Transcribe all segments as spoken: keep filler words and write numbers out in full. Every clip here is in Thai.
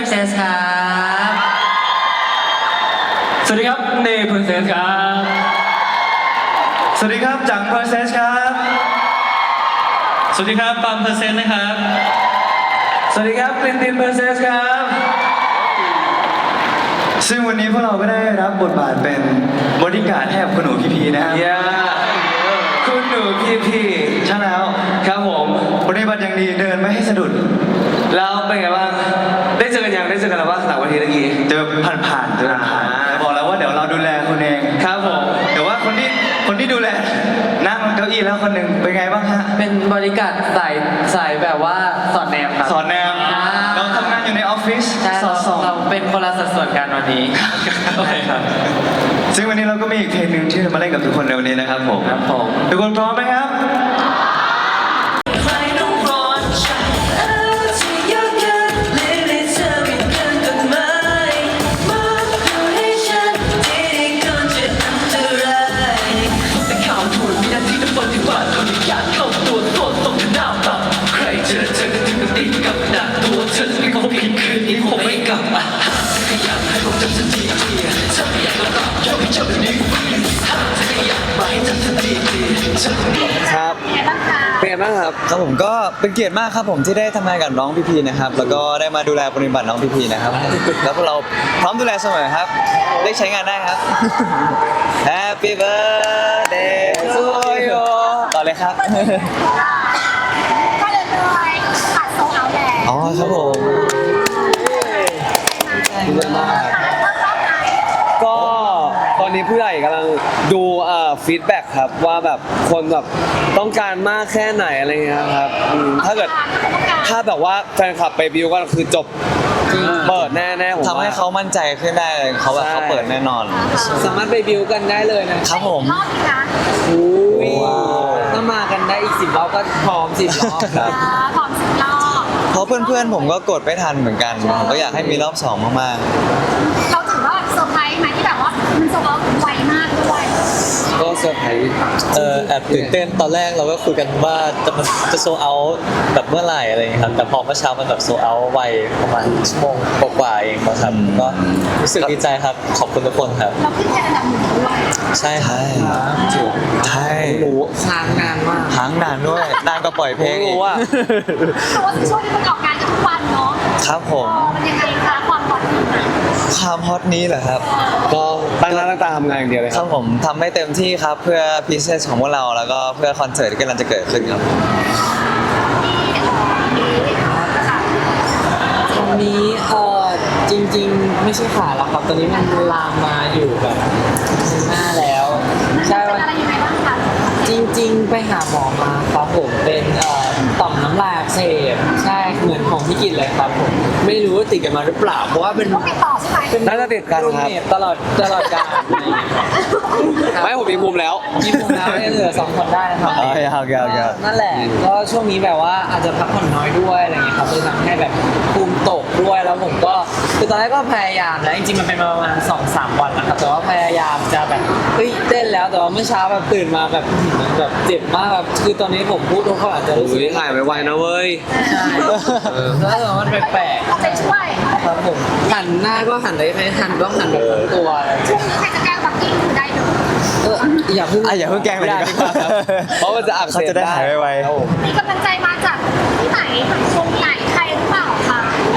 Princess ครับสวัสดีครับเนย Princess ครับสวัสดีครับจัง Princess ครับสวัสดีครับปาม Princess นะครับสวัสดีครับกลินติน Princess ครับซึ่งวันนี้พวกเราก็ได้รับบทบาทเป็นบริการดให้กับคุณหนูพีพีนะครับย่าคุณหนูพี่พี่ใช่แล้วครับผมปฏิบัติอย่างดีเดินไม่ให้สะดุดแล้วเป็นไงบ้างได้เจอกันยังได้เจอกันแล้วว่าหลังวันทีเมื่อกี้เจอผ่านๆเจอผ่านๆแต่บอกแล้วว่าเดี๋ยวเราดูแลคุณเองครับผมแต่ว่าคนที่คนที่ดูแลนั่งเก้าอี้แล้วคนหนึ่งเป็นไงบ้างฮะเป็นบริการสายสายแบบว่าสอนแนวครับสอนแนวอ่าเราทำงานอยู่ในออฟฟิศใช่สอเราดส่องเราเป็นคนละสัดส่วนกันวันนี้โอเคครับซึ่งวันนี้เราก็มีอีกเพลงหนึ่งที่จะมาเล่นกับทุกคนในวันนี้นะครับผมครับผมทุกคนพร้อมไหมครับครับเป็นไงบ้างครับครับผมก็เป็นเกียรติมากครับผมที่ได้ทำงานกับน้องพีพีนะครับแล้วก็ได้มาดูแลปฏิบัติน้องพีพีนะครับแล้วพวกเราพร้อมดูแลเสมอครับได้ใช้งานได้ครับ Happy birthday to you ต่อเลยครับก็เลยเลยปัดโซเอาแหละอ๋อครับผมดีใจมากก็ตอนนี้ผู้ใหญ่กำลังดูเอ่อฟีดแบ็กครับว่าแบบคนแบบต้องการมากแค่ไหนอะไรเงี้ยครับอืมถ้าเกิดถ้าแบบว่าแฟนคลับไปบิวก็คือจบเปิดแน่ๆผมทำให้เขามั่นใจขึ้นได้เลยเขาแบบเขาเปิดแน่นอนสามารถไปบิวกันได้เลยนะครับผมรอบนี้นะอุ้ยว้าวถ้ามากันได้อีกสิบรอบก็พร้อมสิบรอบครับอ่าพร้อมสิบรอบเพราะเพื่อนๆผมก็กดไม่ทันเหมือนกันผมก็อยากให้มีรอบสองมากเราถือว่าเซอร์ไพรส์ไหมที่แบบว่ามันโซเอาไวมากด้วยก็เซอร์ไพรส์เออแอบตื่นเต้นตอนแรกเราก็คุยกันว่าจะมันจะโซเอาแบบเมื่อไหร่อะไรอย่างเงี้ยครับแต่พอเมื่อเช้ามันแบบโซเอาไวประมาณชั่วโมงกว่าๆเองนะครับก็รู้สึกดีใจครับขอบคุณทุกคนครับเราขึ้นแค่อันดับหนึ่งด้วยใช่ๆครัใช่บใช่หนูค้างนานมากค้างนานด้วยนานก็ปล่อยเพลงอีรู้กว่าเพราะว่าช่วงนี้มันออกงานกันทุกวันเนาะครับผเอมอมันยังไงคะความฮอตนี้นะความฮอตนี้เหรอครับก็ตั้งหน้าตั้งตาทำงานอย่างเดียวเลยคครัรับบ ผมทำให้เต็มที่ครับเพื่อพิเศษของพวกเราแล้วก็เพื่อคอนเสิร์ตที่กำลังจะเกิดขึ้นครับตอนนี้เออจริงๆ ไม่ใช่ขาแล้วครับ ตอนนี้มันลามมาอยู่แบบหน้าแล้ว ใช่เป็นว่าอะไรยังไงบ้างคะจริง ๆ ไปหาหมอมาครับผมเป็นเอ่อต่อมน้ำลายอักเสบใช่เหมือนของพี่กินเลยครับผมไม่รู้ว่าติดกันมาหรือเปล่าเพราะว่าเป็นต้องติดต่อใช่ไหมเป็นน่าจะติดกันครับรูมเมทตลอดตลอดกาลไม่ผมมีภูมิแล้วมีภูมิแล้วเนี่ยเหลือสองคนได้นะครับอ๋อโอเคโอเคนั่นแหละก็ช่วงนี้แบบว่าอาจจะพักผ่อนน้อยด้วยอะไรเงี้ยครับเลยทำให้แบบภูมิตกด้วยแล้วผมก็คือตอนแรกก็พยายามแล้วจริงๆมันเป็นมาประมาณสองสามวันนะครับแต่ว่าพยายามจะแบบเฮ้ยเต้นแล้วแต่ว่าเมื่อเช้าแบบตื่นมาแบบแบบเจ็บมากแบบคือตอนนี้ผมพูดทุกคนอาจจะรู้สึกหายไวๆนะเว้ยใช่แล้วแต่ว่ามันแปลกเอาใจช่วยๆครับผมหันหน้าก็หันได้ไม่หันต้องหันแบบทั้งตัวอะไรช่วงนี้ใครจะแกล้งบักกิ้งคือได้เลยเอออย่าเพิ่งอ่ะอย่าเพิ่งแกล้งเลยไม่ได้ดีกว่าครับเพราะมันจะอักเสบเขาจะได้หายไวๆครับผมมีกำลังใจมาจากที่ไหนวงไหนใครหรือเปล่าคะ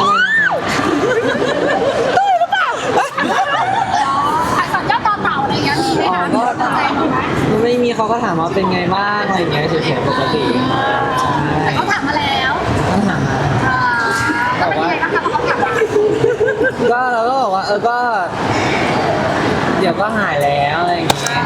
ได้หรือเปล่าขายสอนยอดต่อเต่าอะไรอย่างเงี้ยมีไหมคะมีกำลังใจมีไหมไม่มีเขาก็ถามว่าเป็นไงบ้างอะไรอย่างเงี้ยเฉยๆปกติแต่เขาถามมาแล้วต้องถามมาเออแล้วเป็นยังไงบ้างคะพอเขาถามมาก็เราก็บอกว่าเออก็ เดี๋ยวก็หายแล้วอะไรอย่างเงี้ย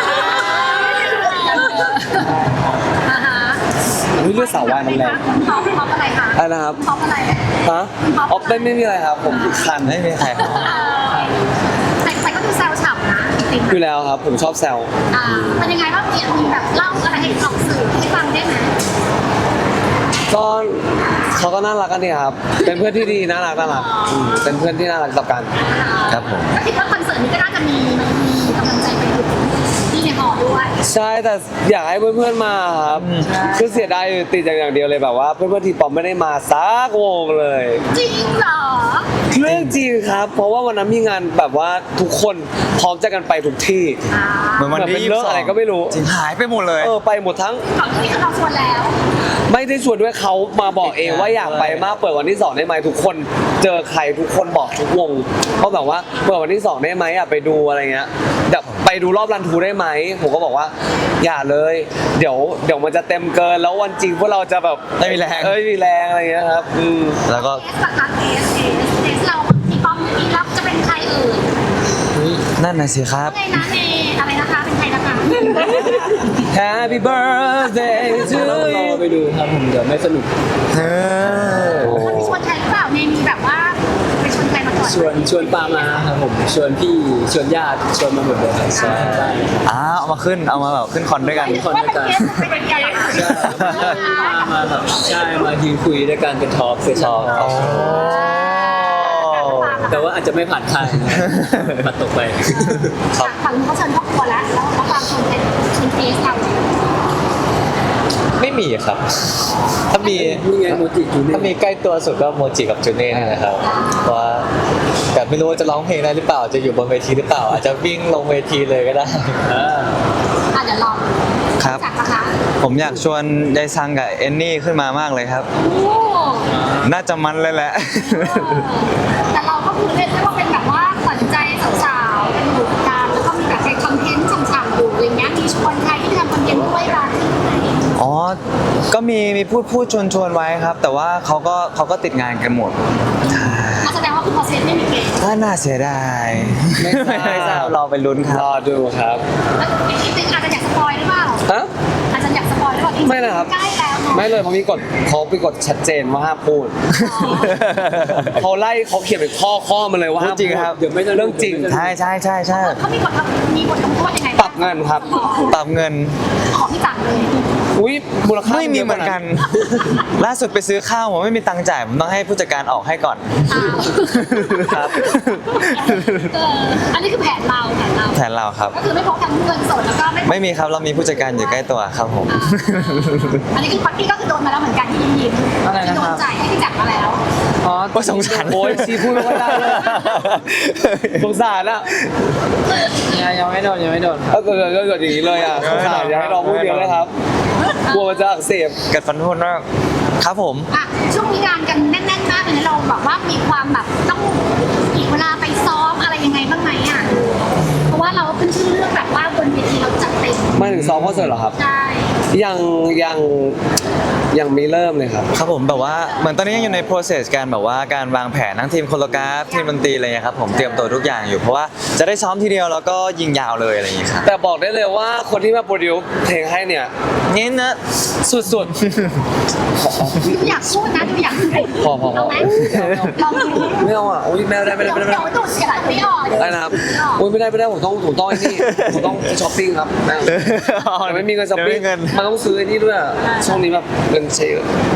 อ่าฮะนี่เลือดสาววายมันแรงท็อปท็อปอะไรคะอะไรนะครับท็อปอะไรฮะอ๋อไม่ไม่มีอะไรครับ ผมคันไม่มีใครครับเออแต่แต่ก็ดูแซวฉ่ำนะจริงอยู่แล้วครับ ผมชอบแซวๆอ่าเป็นยังไงบ้างเนี่ยมีแบบเล่าอะไรให้ออกสื่อให้ฟังได้ไหมก็เขาก็น่ารักกันดีครับ เป็นเพื่อนที่ดีน่ารักน่ารักอืมเป็นเพื่อนที่น่ารักต่อกันครับผมก็คิดว่าคอนเสิร์ตนี้ก็น่าจะมีมีกำลังใจไปถึงที่ในหอด้วยใช่แต่อยากให้เพื่อนๆมาครับคือเสียดายอยู่ติดอย่างเดียวเลยแบบว่าเพื่อนๆทีปอมไม่ได้มาสักวงเลยจริงเหรอเรื่องจริงครับ เพราะว่าวันนั้นมีงานแบบว่าทุกคนพร้อมจะกันไปทุกที่อ่าเหมือนวันที่เหมือนเป็นเรื่องอะไรก็ไม่รู้จริงหายไปหมดเลยเออไปหมดทั้งเขาที่เราชวนแล้วไม่ได้ชวนด้วยเขามาบอกเองว่าอยากไปมากเปิดวันที่สองได้ไหมทุกคนเจอใครทุกคนบอกทุกวงเขาแบบว่าเปิดวันที่สองได้ไหมอ่ะไปดูอะไรเงี้ยแบบไปดูรอบรันทูได้ไหมผมก็บอกว่าอย่าเลยเดี๋ยวเดี๋ยวมันจะเต็มเกินแล้ววันจริงพวกเราจะแบบไม่มีแรงเอ้ยมีแรงอะไรเงี้ยครับอืมแล้วก็เทสราคาเทสเทสเทสเราที่ป้อมเมื่อกี้รับจะเป็นใครเอ่ยนั่นน่ะสิครับไงนะเนอะไรนะคะ เป็นใครนะคะ Happy birthday to ต้องรอ you ไปดูครับผมเดี๋ยวไม่สนุกเออเขามีชวนใครหรือเปล่าเนมีแบบว่าไปชวนใครมาก่อนชวนชวนปามาครับผมชวนพี่ชวนญาติชวนมาหมดเลยครับใช่อ้าวเอามาขึ้นเอามาแบบขึ้นคอนด้วยกันว่าเป็นเทสเป็นใครอะมามาแบบใช่มายืนคุยด้วยกันเป็นทอล์กเซสชั่นอ๋อแต่ว่าอาจจะไม่ผ่านทางปัดตกไปฝั่งเขาเชิญครอบครัวแล้วแล้วเขาฟังชวนเป็นชวนเทสเราไม่มีครับ ถ้ามีนี่ไงโมจิจูเน่ถ้ามีใกล้ตัวสุดก็โมจิกับจูเน่นี่แหละครับเพราะว่าแต่ไม่รู้ว่าจะร้องเพลงได้หรือเปล่าจะอยู่บนเวทีหรือเปล่า อาจจะวิ่งลงเวทีเลยก็ได้อ่าอ่ะเดี๋ยวลองครับจักนะคะผมอยากชวนยายซังกับเอนนี่ขึ้นมามากเลยครับโอ้น่าจะมันเลยแหละแต่เราก็คือเรียกได้ว่าเป็นแบบว่าขวัญใจสาวๆเป็นบุคการแล้วก็มีแบบเป็นคอนเทนต์ฉ่ำๆอยู่อะไรเงี้ยมีชวนใครที่ทำคอนเทนต์ด้วยร้านที่ไหนอ๋อ ก็มีมีพูดพูดชวนชวนไว้ครับ แต่ว่าเขาก็เขาก็ติดงานกันหมดแสดงว่าคุณพอเซนไม่มีเกณฑ์ก็น่าเสียดายไม่ทราบไม่ทราบรอไปลุ้นครัรบอดูครับแล้วอีกนิดนึงอาจจะอยากสปอยหรือเปล่าฮะอาจจะอยากสปอยหรือเปล่าไม่นะครับใกล้แล้วเนาะไม่เลยเพราะมีกฎเขามีกฎชัดเจนว่าห้ามพูดเขาไล่เขาเขียนเป็นข้อข้อมาเลยว่าห้ามจริงครับเดี๋ยวไม่เรื่องจริงใช่ใช่ใช่ใช่เขามีบทมีบทลงโทษยังไงปรับเงินครับปรับเงินขอพี่จังเลยอุ้ยมูลค่าไม่มีเหมือนกัน ล่าสุดไปซื้อข้าวผมไม่มีตังค์จ่ายผมต้องให้ผู้จัดการออกให้ก่อนอ้าวครับเอออันนี้คือแผนเราแผนเราแทนเราครับก็คือไม่พกทั้งเงินสดแล้วก็ไม่พกไม่มีครับเรามีผู้จัดการอยู่ใกล้ตัวครับผมอ่าอันนี้คือปักกี้ก็คือโดนมาแล้วเหมือนกันที่ยิ้มยิ้มอะไรที่นะโดคน รับจ่ายให้พี่จักรมาแล้วอ๋อก็สงสารโอ้ยซีพูดไม่ค่อยได้เลยสงสารอะยังยังไม่โดนยังไม่โดนถ้าเกิดเกิดเกิดอย่างนี้เลยอะสงสารอยากให้น้องพูดเยอะเลยครับกลัวมันจะอักเสบกัดฟันพูดมากครับผมอ่ะช่วงนี้งานกันแน่นๆมากเลยนะเราแบบว่ามีความแบบต้องอีกเวลาไปซ้อมอะไรยังไงบ้างไหมอ่ะเพราะว่าเราขึ้นชื่อเรื่องแบบว่าบนเวทีเราจัดเต็มมาถึงซ้อมคอนเสิร์ตเหรอครับใช่ยังยังยังไม่เริ่มเลยครับครับผมแบบว่าเหมือนตอนนี้ยังอยู่ใน process การแบบว่าการวางแผนทั้งทีมโคโรกราฟทีมดนตรีอะไรเงี้ยครับผมเตรียมตัวทุกอย่างอยู่เพราะว่าจะได้ซ้อมทีเดียวแล้วก็ยิงยาวเลยอะไรอย่างเงี้ยครับแต่บอกได้เลยว่าคนที่มาโปรดิวเพลงให้เนี่ยนี่นะสุดดูอยากพูดนะดูอยากพูดพอพอพอเอาไหมลองดูๆไม่เอาอ่ะโอ้ยไม่เอาได้ไม่ได้ไม่ได้ไม่เดี๋ได้ยวดูเสียหลายไม่ออกได้นะครับโอ้ยไม่ได้ไม่ได้ผมต้องผมต้องไอ้นี่ผมต้องช้อปปิ้งครับไม่เอาแต่ไม่มีเงินช้อปปิ้งเดี๋ยวไม่มีเงินมันต้องซื้อไอ้นี่ด้วยอะช่วงนี้แบบเงินเชย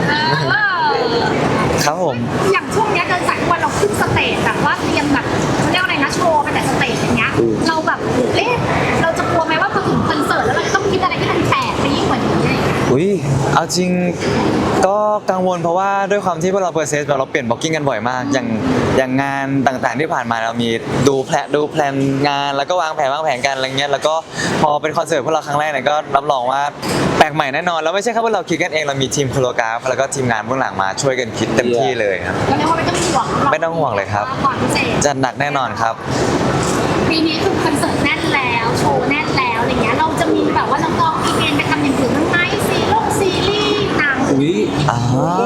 ครับผมอย่างช่วงเนี้ยเดินสายทุกวันเราขึ้นสเตจแบบว่าเตรียมแบบเขาเรียกอะไรนะโชว์ไปแต่สเตจอย่างเงี้ยเราแบบเอ๊ะเราจะกลัวไหมว่าพอถึงคอนเสิร์ตแล้วเราจะต้องคิดอะไรที่มันแปลกไปยิ่งกว่านี้อุ้ยเอาจริงก็กังวลเพราะว่าด้วยความที่พวกเราเปอร์เซสแบบเราเปลี่ยนบล็อกกิ้งกันบ่อยมาก อย่างอย่างงานต่างๆที่ผ่านมาเรามีดูแพลนดูแพลนงานแล้วก็วางแผนวางแผนกันอะไรเงี้ยแล้วก็พอเป็นคอนเสิร์ตพวกเราครั้งแรกเนี่ยก็รับรองว่าแปลกใหม่แน่นอนแล้วไม่ใช่แค่พวกเราคิดกันเองเรามีทีมโคโรกราฟแล้วก็ทีมงานเบื้องหลังมาช่วยกันคิดเต็มที่เลยครับก็เรียกว่าไม่ต้องห่วงไม่ต้องห่วงเลยครับความพิเศษจัดหนักแน่นอนครับปีนี้คือคอนเสิร์ตแน่นแล้วโชว์แน่นแล้วอะไรเงี้ยเราจะมีแบบว่าน้องๆอีเวนต์ไปทำอย่างอื่นบ้างไหมซีรีส์ซีรีส์หนังอุ้ยอ่า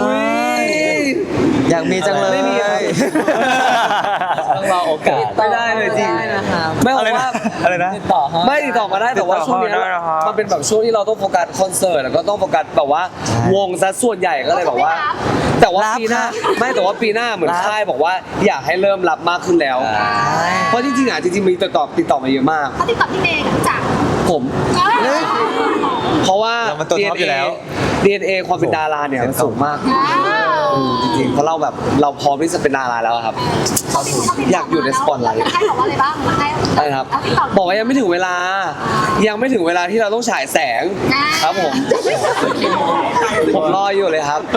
อยากมีจังเลยไม่มีครับต้องรอโอกาสไม่ได้เลยจริงได้นะครับไม่อะเอาไรว่านะอะไรนะติดต่อเขาไม่ติดต่อมาได้แต่ว่าติดต่อช่วงเนี้ยเข้ามาได้นะครับมันเป็นแบบช่วงที่เราต้องโฟกัสคอนเสิร์ตแล้วก็ต้องโฟกัสแบบว่าใช่วงซะส่วนใหญ่ก็เลยแบบว่า แต่ว่ารับปีหน้าครับไม่แต่ว่าปีหน้าเหมือนรับค่ายบอกว่าอยากให้เริ่มรับมากขึ้นแล้ว เพราะจริงๆอ่ะจริงๆมีติดต่อติดต่อมาเยอะมากเขาติดต่อพี่เมย์กับพี่จักรผมเอ้ยเพราะว่าเรามันตัวท็อปอยู่แล้วดี เอ็น เอ ความเป็นดาราเนี่ยมันสูงมากอ้าวจริงๆเพราะเราแบบเราพร้อมที่จะเป็นดาราแล้วอะครับเขาติดเขาติดอยากอยู่ในสปอตไลท์ให้บอกว่าอะไรบ้างให้ใช่ครับเอาติดต่อบอกว่ายังไม่ถึงเวลา ยังไม่ถึงเวลาที่เราต้องฉายแสง ครับผม ผมรออยู่เลยครับ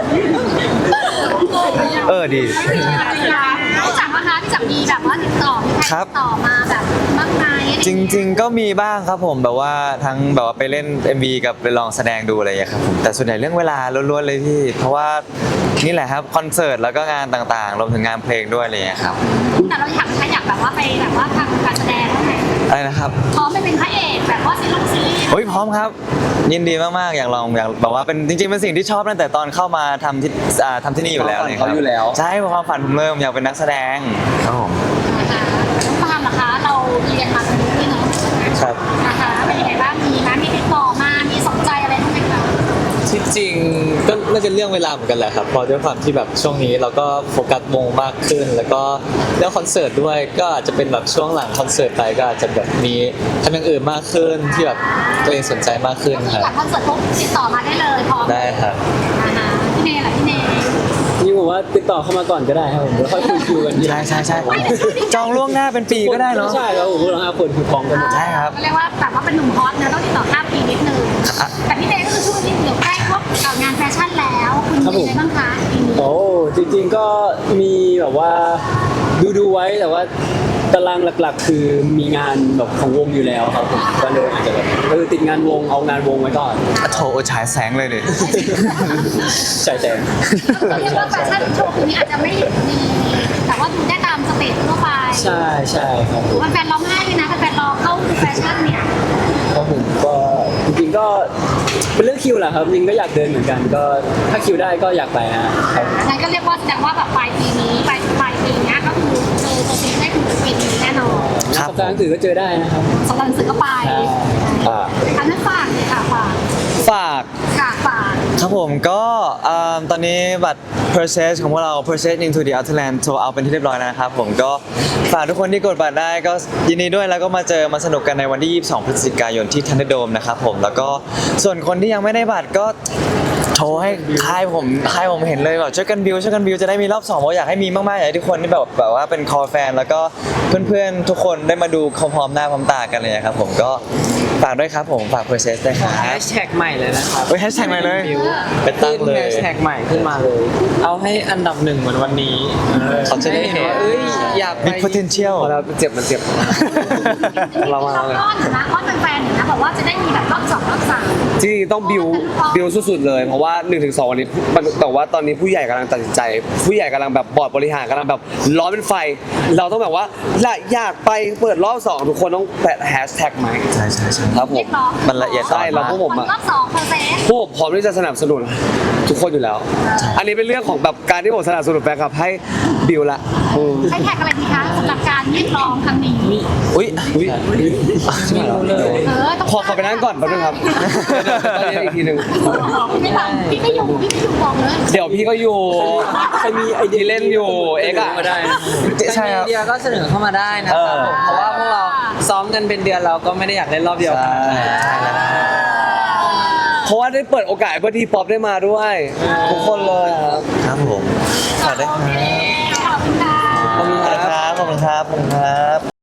เออดีพี่จักรนะคะพี่จักรมีแบบว่าติดต่อมีใครครับติดต่อมาแบบมากมายจริง ๆ ก็มีบ้างครับผมแบบว่าทั้งแบบว่าไปเล่น เอ็ม วี กับไปลองแสดงดูอะไรอย่างเงี้ยครับผมแต่ส่วนใหญ่เรื่องเวลาล้วนๆเลยพี่เพราะว่านี่แหละครับคอนเสิร์ตแล้วก็งานต่างๆรวมถึงงานเพลงด้วยอะไรอย่างเงี้ยครับแต่เราอยากถ้าอยากแบบว่าไปแบบว่าทำการแสดงบ้างไหมอะไรนะครับพร้อมไปเป็นพระเอกแบบว่าซีรีส์ซีรีส์โอ้ยพร้อมครับ ยินดีมากๆอยากลองอยากแบบว่าเป็นจริงๆเป็นสิ่งที่ชอบตั้งแต่ตอนเข้ามาทำที่อ่าทำที่นี่อยู่แล้วความฝันเลยครับเขาอยู่แล้วใช่ความฝันผมเริ่มอยากเป็นนักแสดงครับผมนะคะน้องปาล์มเหรอคะเราเรียนมาตรงนี้เนาะครับนะคะเป็นยังไงบ้างมีนะมีติดต่อมามีสนใจอะไรบ้างไหมคะที่จริงก็น่าจะเรื่องเวลาเหมือนกันแหละครับเพราะด้วยความที่แบบช่วงนี้เราก็โฟกัสวงมากขึ้น แล้วก็เรื่องคอนเสิร์ตด้วยก็อาจจะเป็นแบบช่วงหลังคอนเสิร์ตไปก็อาจจะแบบมีทำอย่างอื่นมากขึ้นที่แบบตัวเองสนใจมากขึ้นก็คคือรับจากคอนเสิร์ตปุ๊บติดต่อมาได้เลยพร้อมได้ครับนะคะพี่เนยล่ะพี่เนยนี่ผมว่าติดต่อเข้ามาก่อนก็ได้ครับผมแล้วค่อยคุยคิวกันทีหลัใช่งใช่ใช่จองล่วงหน้าเป็นปีก็ได้เนาะใช่ครับผมพวกเราห้าคนคือพร้อมกันหมดใช่ครับก็เรียกว่าแบบว่าเป็นหนุ่มฮอตนะต้องติดต่อข้ามปีนิดนึงแต่พี่เนยก็คือช่วงนี้เดี๋ยวใกล้พวกเอ่องานแฟชั่นแล้วคุณมีอะไรบ้างคะปีนี้โอ้จริงๆก็มีแบบว่าดูดูๆไว้แต่ว่าตารางหลักๆ คือมีงานแบบของวงอยู่แล้วครับผมก็เลยอาจจะแบบเออติดงานวงเอางานวงไว้ก่อนโถฉายแสงเลยดิใช่แต่ก็เรียกว่าแฟชั่นโชว์คืนนี้อาจจะไม่มีแต่ว่าดูได้ตามสเตจทั่วไปใช่ใช่ครับหรือว่าแฟนร้องไห้เลยนะแฟนรอเข้าดูแฟชั่นเนี่ยครับผมก็จริงๆก็เป็นเรื่องคิวแหละครับจริงก็อยากเดินเหมือนกัน ก็ถ้าคิวได้ก็อยากไปนะครับงั้นก็เรียกว่าแสดงว่าแบบปลายปีนี้ปลายปลายปีเนี้ยก็คือเจอตัวจริงได้คือปีนี้แน่นอนครับสัปดาห์หนังสือก็เจอได้นะครับสำหรับหนังสือก็ไปอ่าอันนั้นฝากเลยค่ะฝากฝากค่ะฝากครับผมก็เอ่อตอนนี้บัตร purchase ของพวกเรา purchase into the Outland โซเอาเป็นที่เรียบร้อยแล้วนะครับผมก็ฝากทุกคนที่กดบัตรได้ก็ยินดีด้วยแล้วก็มาเจอมาสนุกกันในวันที่ยี่สิบสองพฤศจิกายนที่ทันเดอร์โดมนะครับผมแล้วก็ส่วนคนที่ยังไม่ได้บัตรก็โทรให้ค่ายผมค่ายผมเห็นเลยแบบช่วยกันบิวช่วยกันบิวจะได้มีรอบสองเพราะอยากให้มีมากๆอยากให้ทุกคนที่แบบแบบว่าเป็นคอแฟนแล้วก็เพื่อนๆทุกคนได้มาดูพร้อมๆหน้าพร้อมตากันเลยนะครับผมก็ฝากด้วยครับผมฝาก purchase ด้วยครับแฮชแท็กใหม่เลยนะครับเฮ้ยแฮชแท็กใหม่เลยไปตั้งเลแฮยชแท็กใหม่ขึ้นมาเลย เอาให้อันดับหนึ่งเหมือนวันนี้เขาจะได้เห็นว่าเอ้ยอยากไปมี potential พอเราเจ็บมันเจ็บ เรามาเลยอ้อนนะอ้อนแฟนๆอยู่นะบอกว่าจะได้มีแบบรอบสองรอบสามจริงๆต้องบิวบิวสุดๆเลยเพราะว่าหนึ่งถึงสองวันนี้แต่ว่าตอนนี้ผู้ใหญ่กำลังตัดสินใจ ผู้ใหญ่กำลังแบบบอร์ดบริหารกำลังแบบร้อนเป็นไฟ เราต้องแบบว่าละอยากไปเปิดรอบสองทุกคนต้องแปะแฮชแท็กไหมใช่ใช่ใช่ครับผเรีมยกร้องมันละเอียดใช่เราพวกผมอะรอบสองเปอร์เซ็นต์พวกผมพร้อมที่จะสนับสนุนทุกคนอยู่แล้ว อันนี้เป็นเรื่องของแบบการที่ผมสนับสนุนแฟนคลับให้บิวละอืมให้แท็กอะไรดีคะสำหรับการเรียกร้องครั้งนี้อุ้ยอุ๊ยไม่รู้เลยเออต้องขอขอไปนั่งก่อนแป๊บนึงครับเดี๋ยวตอนนี้อีกทีหนึ่งพี่ไม่ฟังพี่ไม่อยู่พี่ไม่อยู่บอกเลยเดี๋ยวพี่ก็อยู่ใครมีไอเดียที่เล่นอยู่เอ็กซ์อะก็ได้นะใช่ครับไอเดียก็เสนอเข้ามาได้นะครับผมเพราะว่าพวกเราซ้อมกันเป็นเดือนเราก็ไม่ได้อยากเล่นรอบเดียวกันเพราะว่าได้เปิดโอกาสให้เพื่อนที่ป๊อปได้มาด้วย ทุกคนเลยครับครับผมฝากด้วยครับขอบคุณค่ะขอบคุณขอบคคุณรับครับขอบคุณครับขอบคุณครับ